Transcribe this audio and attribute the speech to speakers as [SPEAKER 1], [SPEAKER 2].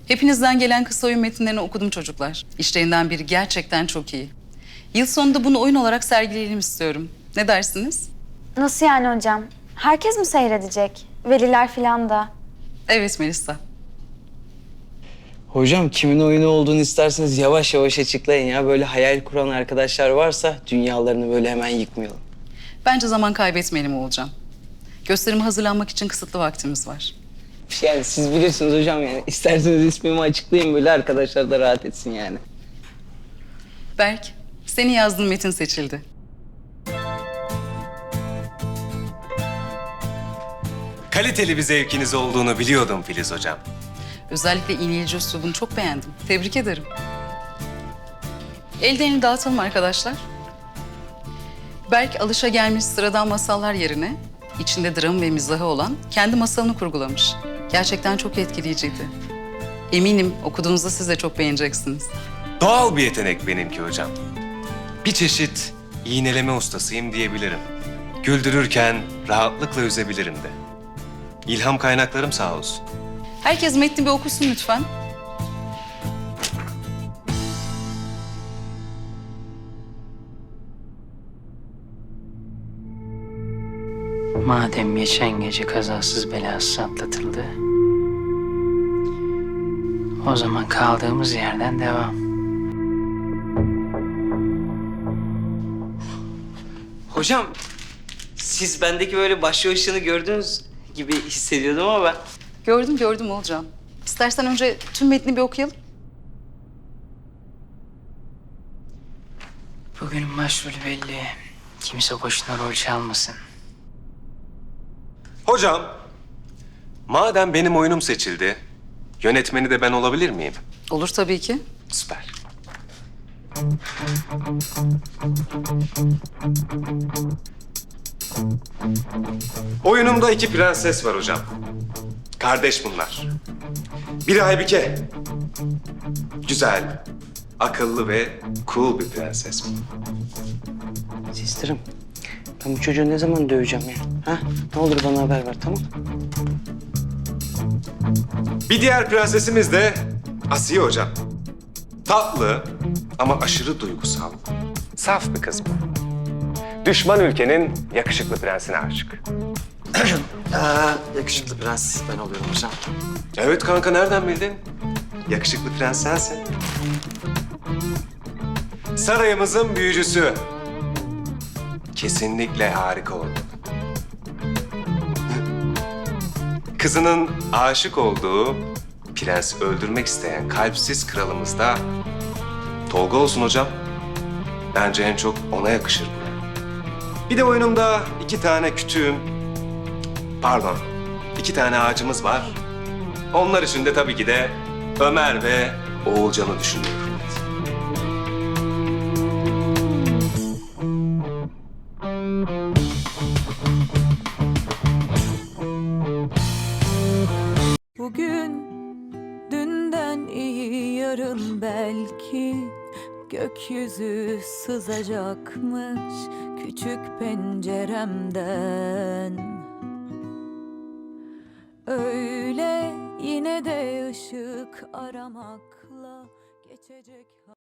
[SPEAKER 1] Hepinizden gelen kısa oyun metinlerini okudum çocuklar. İşlerinden biri gerçekten çok iyi. Yıl sonunda bunu oyun olarak sergileyelim istiyorum. Ne dersiniz?
[SPEAKER 2] Nasıl yani hocam? Herkes mi seyredecek? Veliler falan da.
[SPEAKER 1] Evet Melisa.
[SPEAKER 3] Hocam kimin oyunu olduğunu isterseniz yavaş yavaş açıklayın ya. Böyle hayal kuran arkadaşlar varsa dünyalarını böyle hemen yıkmayalım.
[SPEAKER 1] Bence zaman kaybetmeyelim Oğulcan. Gösterime hazırlanmak için kısıtlı vaktimiz var.
[SPEAKER 3] Yani siz bilirsiniz hocam yani. İsterseniz ismimi açıklayın böyle arkadaşlar da rahat etsin yani.
[SPEAKER 1] Berk, senin yazdığın metin seçildi.
[SPEAKER 4] Kaliteli bir zevkiniz olduğunu biliyordum Filiz Hocam.
[SPEAKER 1] Özellikle iğneyici üslubunu çok beğendim. Tebrik ederim. Ellerini dağıtalım arkadaşlar. Berk alışagelmiş sıradan masallar yerine içinde dram ve mizahı olan kendi masalını kurgulamış. Gerçekten çok etkileyiciydi. Eminim okuduğunuzda siz de çok beğeneceksiniz.
[SPEAKER 4] Doğal bir yetenek benimki hocam. Bir çeşit iğneleme ustasıyım diyebilirim. Güldürürken rahatlıkla üzebilirim de. İlham kaynaklarım sağ olsun.
[SPEAKER 1] Herkes metni bir okusun lütfen.
[SPEAKER 5] Madem geçen gece kazasız belasız atlatıldı, o zaman kaldığımız yerden devam.
[SPEAKER 3] Hocam siz bendeki böyle başlı gördüğünüz gibi hissediyordum ama ben...
[SPEAKER 1] Gördüm Oğulcan. İstersen önce tüm metni bir okuyalım.
[SPEAKER 5] Bugünün başrolü belli. Kimse boşuna rol çalmasın.
[SPEAKER 4] Hocam, madem benim oyunum seçildi, yönetmeni de ben olabilir miyim?
[SPEAKER 1] Olur tabii ki.
[SPEAKER 4] Süper. Oyunumda iki prenses var hocam. Kardeş bunlar. Biri Aybike. Güzel, akıllı ve cool bir prenses bu.
[SPEAKER 3] Sistirim, ben bu çocuğu ne zaman döveceğim ya? Ha? Ne olur bana haber ver, tamam?
[SPEAKER 4] Bir diğer prensesimiz de Asiye hocam. Tatlı ama aşırı duygusal. Saf bir kız bu. Düşman ülkenin yakışıklı prensine aşık.
[SPEAKER 6] Yakışıklı prens ben oluyorum hocam.
[SPEAKER 4] Evet kanka nereden bildin? Yakışıklı prens sensin. Sarayımızın büyücüsü. Kesinlikle harika oldu. Kızının aşık olduğu, prensi öldürmek isteyen kalpsiz kralımız da Tolga olsun hocam. Bence en çok ona yakışır bu. Bir de oyunumda iki tane ağacımız var. Onlar için de tabii ki de Ömer ve Oğulcan'ı düşünüyorum.
[SPEAKER 7] Bugün dünden iyi yarın belki gökyüzü sızacakmış küçük penceremden. Öyle yine de ışık aramakla geçecek.